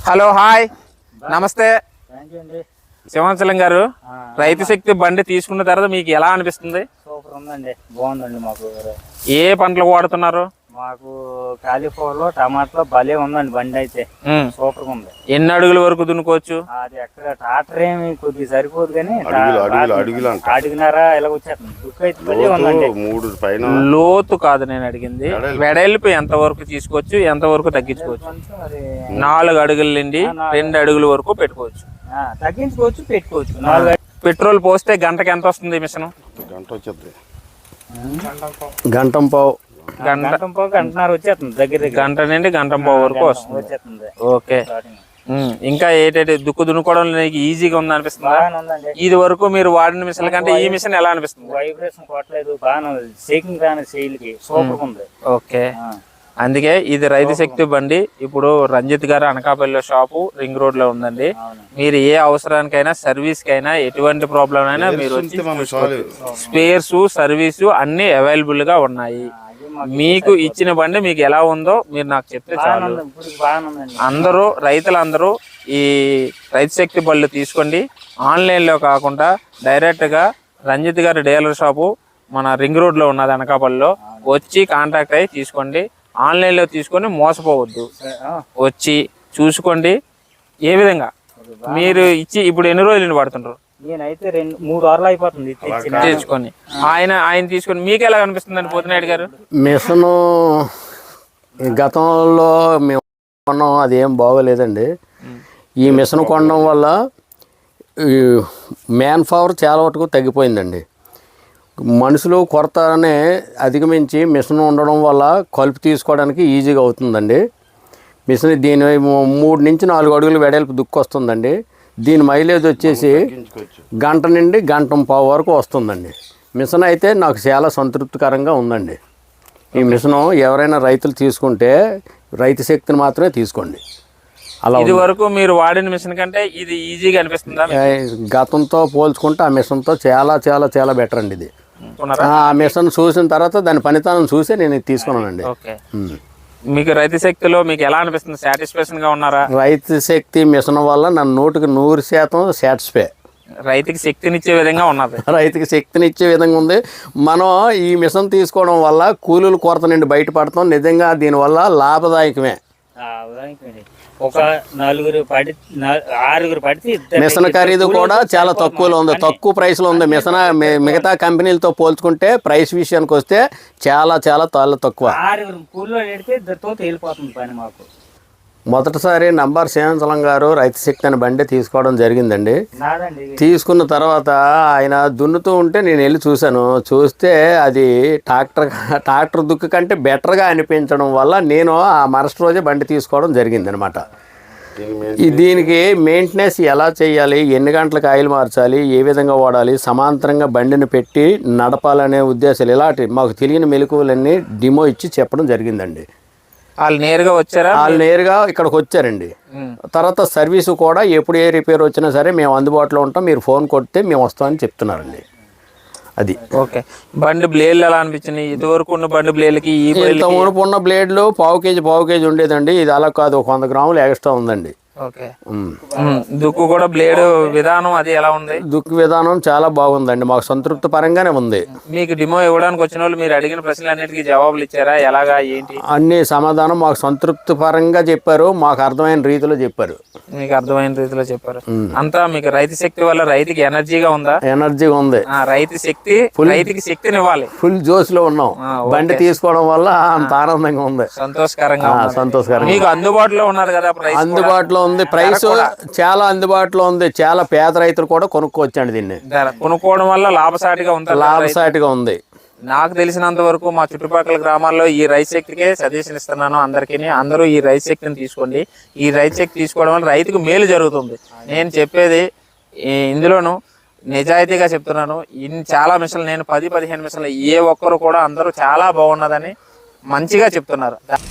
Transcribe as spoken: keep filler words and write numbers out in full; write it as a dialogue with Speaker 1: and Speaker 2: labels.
Speaker 1: Hello hi నమస్తే సింహాచలం గారు, రైతు శక్తి బండి తీసుకున్న తర్వాత మీకు ఎలా అనిపిస్తుంది?
Speaker 2: సూపర్ ఉందండి, బాగుందండి. మాకు
Speaker 1: ఏ పంటలు వాడుతున్నారు?
Speaker 2: మాకు కాలీఫ్లవర్ టమాటాలో భలే ఉందండి బండి అయితే, సూపర్ గా ఉంది.
Speaker 1: ఎన్ని అడుగుల వరకు దున్నుకోవచ్చు?
Speaker 2: అది ఎక్కడ ట్రాక్టర్ ఏమి కొద్దిగా సరిపోదు కానీ అడిగినారా ఇలా వచ్చేస్తుంది. దుక్కు అయితే భలే ఉందండి.
Speaker 3: మూడు పైన
Speaker 1: లోతు కాదు నేను అడిగింది, వెడల్పు ఎంత వరకు తీసుకోవచ్చు, ఎంత వరకు తగ్గించుకోవచ్చు? నాలుగు అడుగుల నుండి రెండు అడుగుల వరకు పెట్టుకోవచ్చు,
Speaker 2: తగ్గించుకోవచ్చు, పెట్టుకోవచ్చు. నాలుగు
Speaker 1: పెట్రోల్ పోస్తే గంటకి ఎంత వస్తుంది మిషన్?
Speaker 3: గంట వచ్చేది,
Speaker 4: గంటం పావు
Speaker 2: గంట గంటన్నర వచ్చేస్తుంది, దగ్గర
Speaker 1: గంట నుండి గంటం పావు వరకు వస్తుంది. ఓకే, ఇంకా ఏంటంటే దుక్కు దున్నుకోవడం ఈజీగా ఉంది అనిపిస్తుంది? ఇది వరకు మీరు వాడిన మిషన్ కంటే ఈ మిషన్ ఎలా అనిపిస్తుంది?
Speaker 2: వైబ్రేషన్ కొట్టలేదు, బాగా షేకింగ్ రాని శైలికి సూపర్ ఉంది.
Speaker 1: ఓకే, అందుకే ఇది రైతు శక్తి బండి. ఇప్పుడు రంజిత్ గారు అనకాపల్లి షాపు రింగ్ రోడ్ లో ఉందండి. మీరు ఏ అవసరానికైనా సర్వీస్ కైనా ఎటువంటి ప్రాబ్లం అయినా మీరు స్పేర్స్ సర్వీసు అన్ని అవైలబుల్ గా ఉన్నాయి. మీకు ఇచ్చిన బండి మీకు ఎలా ఉందో మీరు నాకు చెప్తే చాలు. అందరూ రైతులందరూ ఈ రైతు శక్తి బళ్ళు తీసుకోండి. ఆన్లైన్ లో కాకుండా డైరెక్ట్ గా రంజిత్ గారి డీలర్ షాపు మన రింగ్ రోడ్ లో ఉన్నది అనకాపల్లిలో, వచ్చి కాంటాక్ట్ అయ్యి తీసుకోండి. ఆన్లైన్ లో తీసుకొని మోసపోవద్దు, వచ్చి చూసుకోండి. ఏ విధంగా మీరు ఇచ్చి ఇప్పుడు ఎన్ని రోజులు పడుతుంటారు?
Speaker 2: నేనైతే రెండు మూడు వారాలు అయిపోతుంది
Speaker 1: తెచ్చుకొని. ఆయన ఆయన తీసుకొని మీకు ఎలా అనిపిస్తుంది పోతినాయుడు గారు?
Speaker 4: మిషను గతంలో మేము కొన్నాం, అది ఏం బాగోలేదండి. ఈ మిషన్ కొనడం వల్ల మ్యాన్ పవర్ చాలా వరకు తగ్గిపోయిందండి. మనుషులు కొరతనే అధిగమించి మిషన్ ఉండడం వల్ల కలుపు తీసుకోవడానికి ఈజీగా అవుతుందండి. మిషన్ దీని మూడు నుంచి నాలుగు అడుగులు వెడల్పు దుక్కు వస్తుందండి. దీని మైలేజ్ వచ్చేసి గంట నుండి గంట పావు వరకు వస్తుందండి. మిషన్ అయితే నాకు చాలా సంతృప్తికరంగా ఉందండి. ఈ మిషను ఎవరైనా రైతులు తీసుకుంటే రైతు శక్తిని మాత్రమే తీసుకోండి. అలా
Speaker 1: ఇది వరకు మీరు వాడిన మిషన్ కంటే ఇది ఈజీగా అనిపిస్తుందా?
Speaker 4: గతంతో పోల్చుకుంటే ఆ మిషన్తో చాలా చాలా చాలా బెటర్ అండి. ఇది ఆ మిషన్ చూసిన తర్వాత దాని పనితనం చూసి నేను ఇది తీసుకున్నానండి.
Speaker 1: మీకు రైతు శక్తిలో మీకు ఎలా అనిపిస్తుంది? సాటిస్ఫాక్షన్ గా ఉన్నారా?
Speaker 4: రైతు శక్తి మిషన్ వల్ల నన్ను నూటికి నూరు శాతం సాటిస్ఫై.
Speaker 1: రైతుకి శక్తినిచ్చే విధంగా ఉన్నది,
Speaker 4: రైతుకి శక్తినిచ్చే విధంగా ఉంది. మనం ఈ మిషన్ తీసుకోవడం వల్ల కూలీల కొరత నుండి బయటపడతాం. నిజంగా దీనివల్ల లాభదాయకమే.
Speaker 2: ఒక నలుగురు పడి ఆరుగురు పడితే
Speaker 4: మిషన్ ఖరీదు కూడా చాలా తక్కువలో ఉంది, తక్కువ ప్రైస్లో ఉంది. మిషన్ మిగతా కంపెనీలతో పోల్చుకుంటే ప్రైస్ విషయానికి వస్తే చాలా చాలా చాలా తక్కువ.
Speaker 2: ఆరుగురు కూలీలో పెడితే ఇద్దరితో తేలిపోతుంది పని. మాకు
Speaker 4: మొదటిసారి నంబర్ సింహాచలం గారు రైతు శక్తి అని బండి తీసుకోవడం జరిగిందండి. తీసుకున్న తర్వాత ఆయన దున్నుతూ ఉంటే నేను వెళ్ళి చూశాను. చూస్తే అది ట్రాక్టర్ ట్రాక్టర్ దుక్కు కంటే బెటర్గా అనిపించడం వల్ల నేను ఆ మరుసటి రోజే బండి తీసుకోవడం జరిగింది అనమాట. దీనికి మెయింటెనెన్స్ ఎలా చేయాలి, ఎన్ని గంటలకు ఆయిల్ మార్చాలి, ఏ విధంగా వాడాలి, సమాంతరంగా బండిని పెట్టి నడపాలనే ఉద్దేశాలు ఇలాంటి మాకు తెలియని మెలకువలన్నీ డిమో ఇచ్చి చెప్పడం జరిగిందండి.
Speaker 1: వాళ్ళు నేరుగా వచ్చారా?
Speaker 4: వాళ్ళు నేరుగా ఇక్కడికి వచ్చారండి. తర్వాత సర్వీసు కూడా ఎప్పుడు ఏ రిపేర్ వచ్చినా సరే మేము అందుబాటులో ఉంటాం, మీరు ఫోన్ కొడితే మేము వస్తామని చెప్తున్నారండి. అది
Speaker 1: ఓకే. బండి బ్లేడ్లు ఎలా అనిపించింది? ఇదివరకు ఉన్న బండి బ్లేడ్లకి ఈ
Speaker 4: ఇంత మునుపు ఉన్న బ్లేడ్లు పావు కేజీ పావు కేజీ ఉండేదండి. ఇది అలా కాదు, ఒక వంద గ్రాములు ఎక్స్ట్రా ఉందండి.
Speaker 1: ఓకే. దుక్కు కూడా బ్లేడ్ విధానం అది ఎలా ఉంది?
Speaker 4: దుక్కు విధానం చాలా బాగుందండి, మాకు సంతృప్తి పరంగానే ఉంది.
Speaker 1: మీకు డిమో ఇవ్వడానికి వచ్చిన వాళ్ళు మీరు అడిగిన ప్రశ్నలన్నిటికీ జవాబులు ఇచ్చారా? ఎలాగా ఏంటి
Speaker 4: అన్ని సమాధానం మాకు సంతృప్తి పరంగా చెప్పారు, మాకు అర్థమైన రీతిలో చెప్పారు.
Speaker 1: మీకు అర్థమైన రీతిలో చెప్పారు అంతా. మీకు రైతు శక్తి వల్ల రైతుకి ఎనర్జీగా ఉందా?
Speaker 4: ఎనర్జీగా ఉంది.
Speaker 1: రైతు శక్తి రైతుకి శక్తిని ఇవ్వాలి.
Speaker 4: ఫుల్ జోష్ లో ఉన్నాం. బండి తీసుకోవడం వల్ల అంత ఆనందంగా ఉంది,
Speaker 1: సంతోషకరంగా
Speaker 4: సంతోషకరంగా.
Speaker 1: మీకు అందుబాటులో ఉన్నారు కదా?
Speaker 4: అందుబాటులో ఉంది, ప్రైస్ చాలా అందుబాటులో ఉంది. చాలా పేద రైతులు కూడా కొనుక్కోవచ్చండి దీన్ని.
Speaker 1: కొనుక్కోవడం వల్ల లాభసాటిగా ఉంది,
Speaker 4: లాభసాటిగా ఉంది.
Speaker 1: నాకు తెలిసినంత వరకు మా చుట్టుపక్కల గ్రామాల్లో ఈ రైతు శక్తికే సజెషన్ ఇస్తున్నాను అందరికీ. అందరూ ఈ రైతు శక్తిని తీసుకోండి. ఈ రైతు శక్తి తీసుకోవడం వల్ల రైతుకు మేలు జరుగుతుంది. నేను చెప్పేది ఇందులోను నిజాయితీగా చెప్తున్నాను. ఇన్ని చాలా మిషన్లు, నేను పది పదిహేను మిషన్లు, ఏ ఒక్కరు కూడా అందరూ చాలా బాగున్నదని మంచిగా చెప్తున్నారు.